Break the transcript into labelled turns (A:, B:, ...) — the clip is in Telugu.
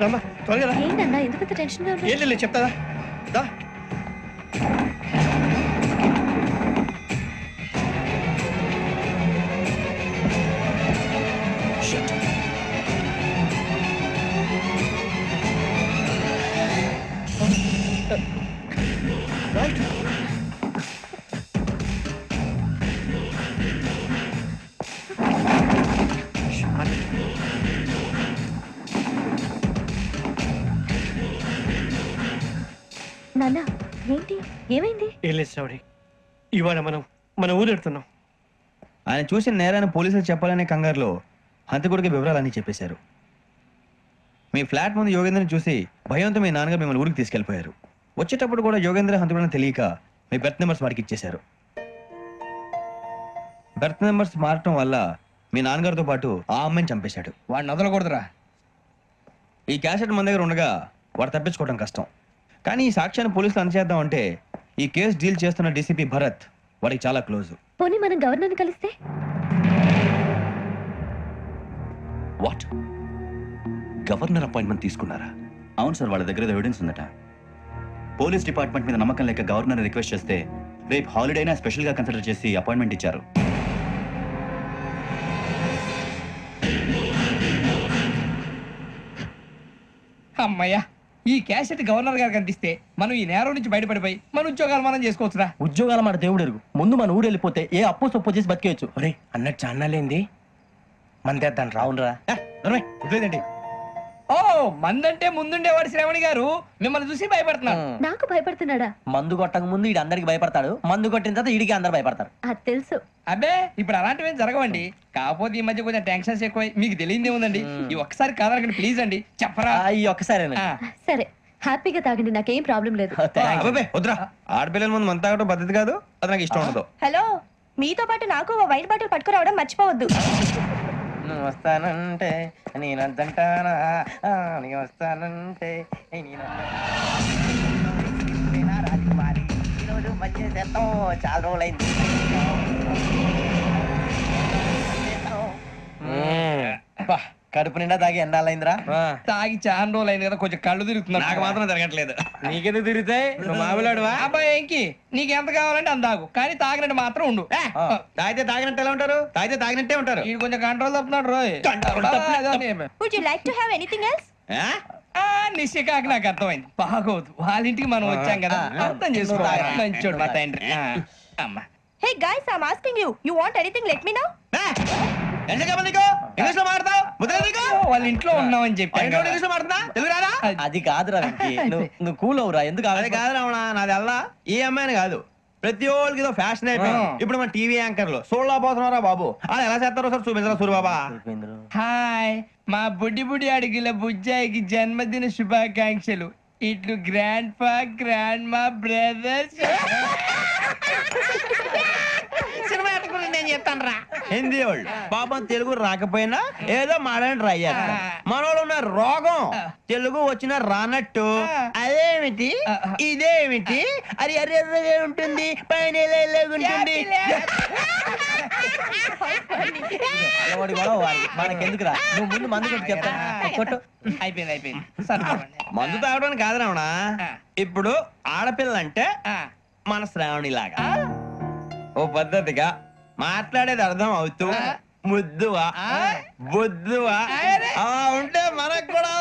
A: రమ్మా త్వరగా రా.
B: ఏంటన్నా ఎందుకంత టెన్షన్ గా ఉన్నా?
A: ఏం లేదు చెప్తాదా దా. రైట్.
B: నాన్న ఏంటి ఏమైంది?
A: ఏం లేదు శ్రావణి, ఇవాళ మనం మన ఊరు వెళ్తున్నాం.
C: ఆయన చూసిన నేరాన్ని పోలీసులు చెప్పాలనే కంగారులో హంతకుడికి వివరాలన్నీ చెప్పేశారు. మీ ఫ్లాట్ ముందు యోగేంద్రని చూసి భయంతో మీ నాన్నగారు మిమ్మల్ని ఊరికి తీసుకెళ్లిపోయారు. వచ్చేటప్పుడు కూడా యోగేంద్ర హంతకుడని తెలియక మీ బెర్త్ నెంబర్స్ వారికి ఇచ్చేశారు. బెర్త్ నెంబర్స్ మారటం వల్ల మీ నాన్నగారితో పాటు ఆ అమ్మాయిని చంపేశాడు.
D: వాడిని వదలకూడదురా.
C: ఈ క్యాసెట్ మన దగ్గర ఉండగా వాడు తప్పించుకోవడం కష్టం. కానీ ఈ సాక్ష్యాన్ని పోలీసులు అందజేద్దామంటే ఈ కేసు డీల్ చేస్తున్న డీసీపీ భరత్ వాడికి చాలా క్లోజ్.
B: పోనీ మనం గవర్నర్ని కలిస్తే?
E: వాట్, గవర్నర్ అపాయింట్మెంట్ తీసుకున్నారా? అవును సార్, వాళ్ళ దగ్గర ఎవిడెన్స్ ఉందట. పోలీస్ డిపార్ట్మెంట్ మీద నమ్మకం లేక గవర్నర్ రిక్వెస్ట్ చేస్తే రేపు హాలిడే అయినా స్పెషల్ గా కన్సిడర్ చేసి అపాయింట్మెంట్ ఇచ్చారు.
D: అమ్మయ్యా, ఈ క్యాసెట్ గవర్నర్ గారికి అందిస్తే మనం ఈ నేరం నుంచి బయటపడిపోయి మన ఉద్యోగాలు మనం చేసుకోవచ్చురా.
F: ఉద్యోగాల మాట దేవుడు ఎరుగు. ముందు మన ఊరు వెళ్ళిపోతే ఏ అప్పు సొప్పు చేసి బతికేయచ్చు.
G: ఒరే అన్నట్టు చాన్నాలేంది మందేద్దాం రావునరా.
C: వదిలేదండి.
D: ఓ మందంటే ముందుండేవాడు శ్రావణి గారు మిమ్మల్ని చూసి భయపడుతున్నాడు.
B: నాకు భయపడుతున్నాడా?
F: మందు కొట్టక ముందు ఈడు అందరికి భయపడతాడు, మందు కొట్టిన తర్వాత ఈడికి అందరు భయపడతారు.
B: అది తెలుసు.
D: అబ్బే ఇప్పుడు అలాంటివి ఏం జరగవండి. కాకపోతే ఈ మధ్య కొంచెం టెన్షన్స్ ఎక్కువ, మీకు తెలియదే ఉందండి. ఈ ఒక్కసారి కాదనకండి ప్లీజ్ అండి, చెప్పరా.
F: ఈ ఒక్కసారి
B: సరే హ్యాపీగా తాగండి, నాకేం ప్రాబ్లం లేదు.
C: అబ్బాబే వద్దురా, ఆడపిల్లల ముందు మంత తాగడం పద్ధతి కాదు, అది నాకు ఇష్టం ఉండదు.
H: హలో, మీతో పాటు నాకు ఓ వైట్ బాటిల్ పట్టుకురావడం మర్చిపోవద్దు.
G: నువ్వు వస్తానంటే నేనంటానా, నేను వస్తానంటే రాజకుమారి ఈరోజు మంచి చేస్తాం. చాలా రోజులైంది.
F: కడుపు నిండా తాగి ఎండాలైందిరా.
D: తాగి చాలా రోజులు అయింది కదా, కొంచెం కళ్ళు తిరుగుతున్నా.
C: నాకు మాత్రం జరగట్లేదు.
F: నీకెందుకు తిరుగుతాయి? నువ్వు మామిలాడువా?
D: అబ్బాయి ఏంకి నీకు ఎంత కావాలంటే అంత తాగు, కానీ తాగినట్టు మాత్రం ఉండు.
C: తాగితే తాగినట్టు ఎలా ఉంటారు? తాగితే తాగినట్టే ఉంటారు.
D: ఇది కొంచెం కంట్రోల్ తప్పుతున్నాడు రోయ్.
H: Would you like to have anything else?
D: నిశ్చికాకి నాకు అర్థమైంది. బాగోదు, వాళ్ళ ఇంటికి మనం వచ్చాం కదా, అర్థం చేసుకోవాలి. మంచోడు మా తండ్రి. అమ్మా
H: hey guys, I am asking you, you want anything let me know.
C: English లో మాట్లాడతావు?
D: వాళ్ళ ఇంట్లో ఉన్నామని చెప్పాను కదా.
C: ఇంగ్లీష్ లో మాట్లాడుతున్నా? తెలుగు రాదా?
F: అది కాదురా వెంకీ, నువ్వు కూల్ అవురా. ఎందుకు
C: అది కాదు రావణ, నాది అల్లా ఈ అమ్మాయిని కాదు, ప్రతి ఒళ్ళకి ఏదో ఫ్యాషన్ అయిపోయింది. ఇప్పుడు మన టీవీ యాంకర్లు సోళ్ళ పోతున్నారా బాబు, అది ఎలా చేస్తారో సార్ చూపించరా సూరిబాబా.
D: హాయ్, మా బుడ్డి బుడి అడిగిల బుజ్జాయికి జన్మదిన శుభాకాంక్షలు. ఇట్లు గ్రాండ్ ఫా గ్రాండ్ మా బ్రదర్స్. సినిమా ఎట్టుకుని నేను చెప్తాను రా.
C: హిందీ వాళ్ళు పాపం తెలుగు రాకపోయినా ఏదో మాడని ట్రై చేస్తారు. మనోళ్ళు ఉన్న రోగం తెలుగు వచ్చిన రానట్టు అదేమిటి ఇదేమిటి అది ఎర్రగా ఉంటుంది పైన ఉంటుంది.
F: మనకెందుకురా, నువ్వు ముందు మందు కొట్టి చెప్తాను. కొట్టు.
D: అయిపోయింది.
C: మందు తాగడానికి కాదు రావణ, ఇప్పుడు ఆడపిల్లంటే మన శ్రావణి లాగా ఓ పద్ధతిగా మాట్లాడేది అర్థం అవుతూ ముద్దువా బొద్దువా అలా ఉంటే మనకు కూడా